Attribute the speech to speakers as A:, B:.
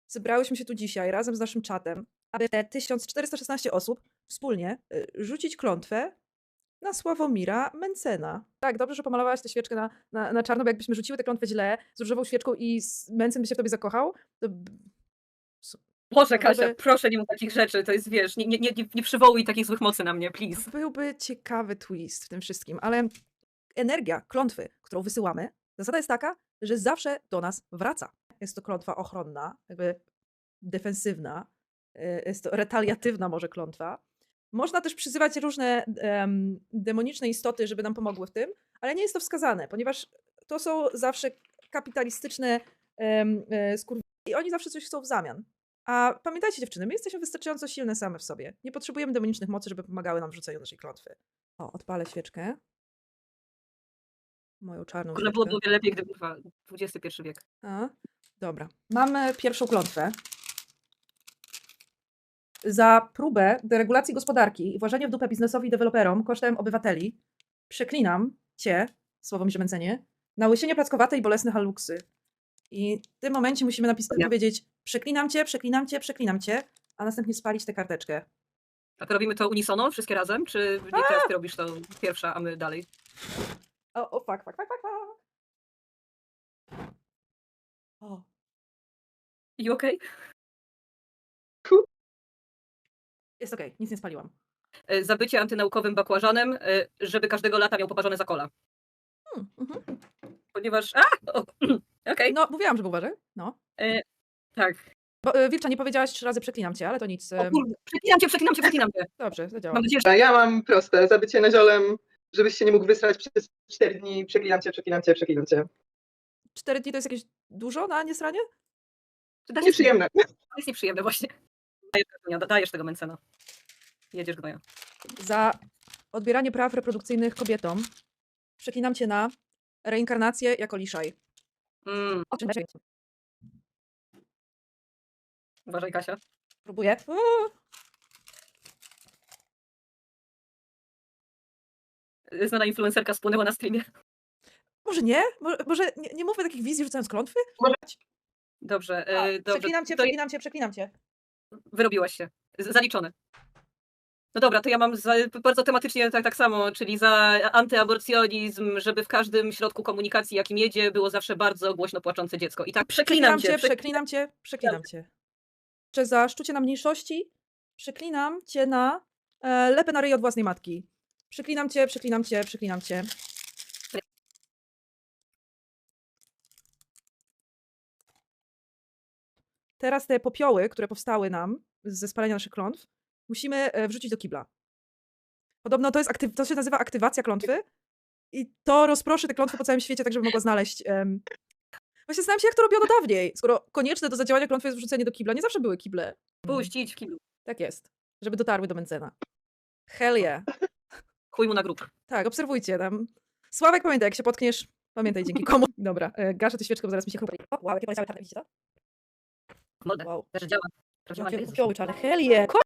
A: zebrałyśmy się tu dzisiaj razem z naszym czatem, aby te 1416 osób wspólnie rzucić klątwę na Sławomira Mencena. Tak, dobrze, że pomalowałaś tę świeczkę na czarno, bo jakbyśmy rzuciły tę klątwę źle, z różową świeczką i Mencen by się w tobie zakochał, to
B: Boże, Kasia,
A: byłby,
B: proszę nie mów takich rzeczy, to jest, wiesz, nie przywołuj takich złych mocy na mnie, please.
A: byłby ciekawy twist w tym wszystkim, ale energia klątwy, którą wysyłamy, zasada jest taka, że zawsze do nas wraca. Jest to klątwa ochronna, jakby defensywna, jest to retaliatywna może klątwa. Można też przyzywać różne demoniczne istoty, żeby nam pomogły w tym, ale nie jest to wskazane, ponieważ to są zawsze kapitalistyczne skurwy i oni zawsze coś chcą w zamian. A pamiętajcie dziewczyny, my jesteśmy wystarczająco silne same w sobie. Nie potrzebujemy demonicznych mocy, żeby pomagały nam w rzuceniu naszej klątwy. O, odpalę świeczkę. Moją czarną
B: Może byłoby
A: świeczkę.
B: o wiele lepiej, gdyby XXI wiek.
A: A, dobra. Mamy pierwszą klątwę. Za próbę deregulacji gospodarki i włożenie w dupę biznesowi i deweloperom kosztem obywateli przeklinam cię, Sławomirze Mencenie, na łysienie plackowate i bolesne haluksy. I w tym momencie musimy powiedzieć przeklinam cię, przeklinam cię, przeklinam cię, a następnie spalić tę karteczkę.
B: A to robimy to unisono, wszystkie razem? Czy nie teraz ty robisz to pierwsza, a my dalej?
A: O, fuck. O.
B: You okay?
A: Jest okej, nic nie spaliłam.
B: Zabycie antynaukowym bakłażanem, żeby każdego lata miał poparzone za kola. Ponieważ... Okej.
A: No, mówiłam, żeby uważaj. No.
B: Tak.
A: Wilcza, nie powiedziałaś 3 razy przeklinam cię, ale to nic.
B: O kurde, przeklinam cię.
A: Dobrze, zadziała.
B: Mam nadzieję, że...
C: Ja mam proste, zabycie naziolem, żebyś się nie mógł wysrać przez 4 dni, przeklinam cię.
A: 4 dni to jest jakieś dużo na niesranie?
C: Nieprzyjemne.
B: To jest nieprzyjemne właśnie. Dajesz tego Mencena. Jedziesz gnoja.
A: Za odbieranie praw reprodukcyjnych kobietom przeklinam cię na reinkarnację jako liszaj.
B: Uważaj, Kasia.
A: Próbuję.
B: Znana influencerka spłynęła na streamie.
A: Może nie? Może nie mówmy takich wizji rzucając klątwy?
B: Dobrze, dobrze.
A: Przeklinam cię.
B: Wyrobiłaś się. Zaliczone. No dobra, to ja mam bardzo tematycznie tak samo, czyli za antyaborcjonizm, żeby w każdym środku komunikacji, jakim jedzie, było zawsze bardzo głośno płaczące dziecko. I tak przeklinam cię.
A: Przeklinam cię. Czy za szczucie na mniejszości przeklinam cię na lepę na ryj od własnej matki. Przeklinam cię. Teraz te popioły, które powstały nam ze spalenia naszych klątw, musimy wrzucić do kibla. Podobno to się nazywa aktywacja klątwy i to rozproszy te klątwy po całym świecie, tak żeby mogła znaleźć... Właśnie zastanawiam się, jak to robiono dawniej, skoro konieczne do zadziałania klątwy jest wrzucenie do kibla. Nie zawsze były kible.
B: Puścić w kiblu.
A: Tak jest, żeby dotarły do Mencena. Hell yeah.
B: Chuj mu na grób.
A: Tak, obserwujcie tam. Sławek, pamiętaj, jak się potkniesz, pamiętaj dzięki komu. Dobra, gaszę tę świeczkę, bo zaraz mi się chrupie. Wow, jakie poleciały czarne, widzicie to?
B: Mordę.
A: Wow.
B: Też działa. Prawdziwa
A: Jakie
B: Jezus.
A: popioły czarne, hell yeah.